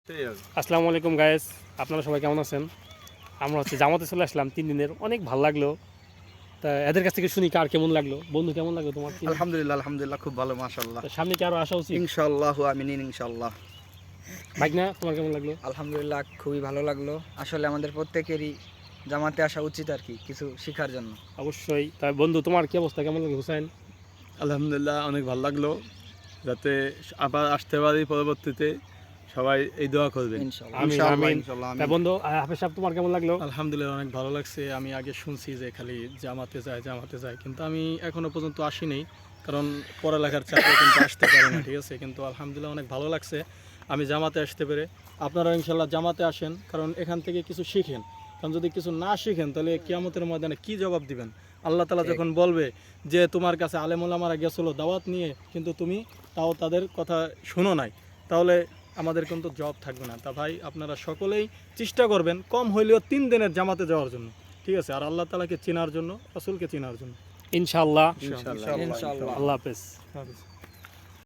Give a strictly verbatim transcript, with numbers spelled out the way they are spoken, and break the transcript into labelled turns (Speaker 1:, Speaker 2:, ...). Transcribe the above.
Speaker 1: আসসালামু আলাইকুম গায়েস, আপনারা সবাই কেমন আছেন? আমরা হচ্ছে জামাতে চলে আসলাম তিন দিনের, অনেক ভালো লাগলো। তা এদের কাছ থেকে শুনি কার কেমন লাগলো। বন্ধু কেমন লাগলো তোমার?
Speaker 2: আলহামদুলিল্লাহ আলহামদুলিল্লাহ খুব ভালো মাশাআল্লাহ।
Speaker 1: সামনে কি আরো আসা উচিত?
Speaker 2: ইনশাআল্লাহ আমিন ইনশাআল্লাহ।
Speaker 1: ভাগনা তোমার কেমন লাগলো?
Speaker 3: আলহামদুলিল্লাহ খুবই ভালো লাগলো। আসলে আমাদের প্রত্যেকেরই জামাতে আসা উচিত আর কি, কিছু শেখার জন্য।
Speaker 1: অবশ্যই। তা বন্ধু তোমার কি অবস্থা, কেমন লাগলো হুসাইন?
Speaker 4: আলহামদুলিল্লাহ অনেক ভালো লাগলো, যাতে আবার আসতে পারি পরবর্তীতে। সবাই এই দোয়া করবেন।
Speaker 3: ইনশাআল্লাহ।
Speaker 1: আমিন
Speaker 2: ইনশাআল্লাহ,
Speaker 1: আমিন।
Speaker 2: ইনশাআল্লাহ,
Speaker 1: তা
Speaker 2: আমিন।
Speaker 1: বন্ধু হাফেজ সাহেব তোমার কেমন লাগলো?
Speaker 4: আলহামদুলিল্লাহ অনেক ভালো লাগছে। আমি আগে শুনছি যে খালি জামাতে যায় জামাতে যায়, কিন্তু আমি এখনো পর্যন্ত আসিনি, কারণ পড়ালেখার চাপে কিন্তু আসতে পারি না, ঠিক আছে। কিন্তু আলহামদুলিল্লাহ অনেক ভালো লাগছে আমি জামাতে আসতে পেরে। আপনারা ইনশাল্লাহ জামাতে আসেন, কারণ এখান থেকে কিছু শিখেন। কারণ যদি কিছু না শিখেন তাহলে কিয়ামতের ময়দানে কি জবাব দিবেন? আল্লাহ তাআলা যখন বলবে যে তোমার কাছে আলেম ওলামারা গেছিল দাওয়াত নিয়ে, কিন্তু তুমি তাও তাদের কথা শোনো নাই, তাহলে আমাদের কিন্তু জব থাকবে না। তা ভাই আপনারা সকলেই চেষ্টা করবেন কম হইলেও তিন দিনের জামাতে যাওয়ার জন্য, ঠিক আছে। আর আল্লাহ তাআলাকে চেনার জন্য, রাসূলকে চেনার জন্য।
Speaker 1: ইনশাআল্লাহ।
Speaker 4: ইনশাআল্লাহ।
Speaker 3: ইনশাআল্লাহ।
Speaker 1: আল্লাহ হাফেজ।
Speaker 4: হাফেজ।